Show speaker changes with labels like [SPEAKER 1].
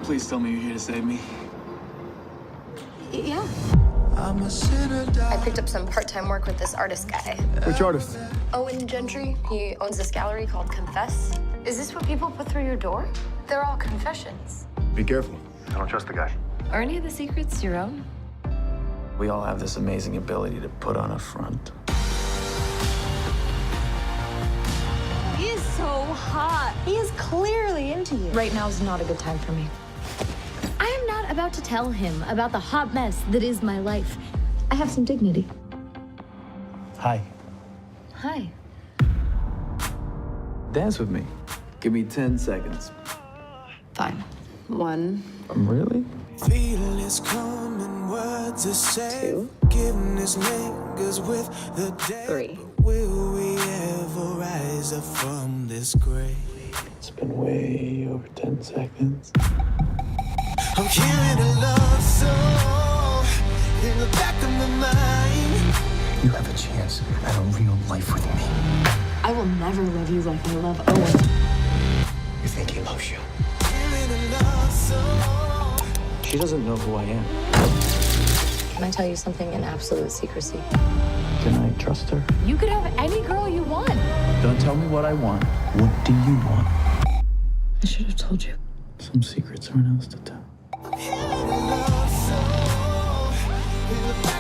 [SPEAKER 1] Please tell me you're here to save me.
[SPEAKER 2] Yeah.
[SPEAKER 3] I'm a sinner,
[SPEAKER 2] I picked up some part-time work with this artist guy.
[SPEAKER 1] Which artist?
[SPEAKER 2] Owen Gentry. He owns this gallery called Confess. Is this what people put through your door? They're all confessions.
[SPEAKER 1] Be careful.
[SPEAKER 4] I don't trust the guy.
[SPEAKER 5] Are any of the secrets your own?
[SPEAKER 1] We all have this amazing ability to put on a front.
[SPEAKER 5] He is so hot.
[SPEAKER 2] He is clearly into you.
[SPEAKER 5] Right now is not a good time for me. I am not about to tell him about the hot mess that is my life. I have some dignity.
[SPEAKER 1] Hi.
[SPEAKER 5] Hi.
[SPEAKER 1] Dance with me. Give me 10 seconds.
[SPEAKER 5] Fine. 1,
[SPEAKER 1] Really?
[SPEAKER 3] feel it's coming, words are said.
[SPEAKER 5] 2,
[SPEAKER 3] Forgiveness lingers with the dead.
[SPEAKER 5] 3.
[SPEAKER 3] Will we ever rise up from this grave?
[SPEAKER 1] It's been way over 10 seconds.
[SPEAKER 3] I'm hearing a love song in the back of my mind.
[SPEAKER 4] You have a chance at a real life with me.
[SPEAKER 5] I will never love you like I love Owen.
[SPEAKER 4] You think he loves you?
[SPEAKER 3] Hearing a love song.
[SPEAKER 1] She doesn't know who I am.
[SPEAKER 5] Can I tell you something in absolute secrecy?
[SPEAKER 1] Can I trust her?
[SPEAKER 5] You could have any girl you want.
[SPEAKER 1] Don't tell me what I want. What do you want?
[SPEAKER 5] I should have told you.
[SPEAKER 1] Some secrets aren't ours to tell.
[SPEAKER 3] Hearing a love song in the back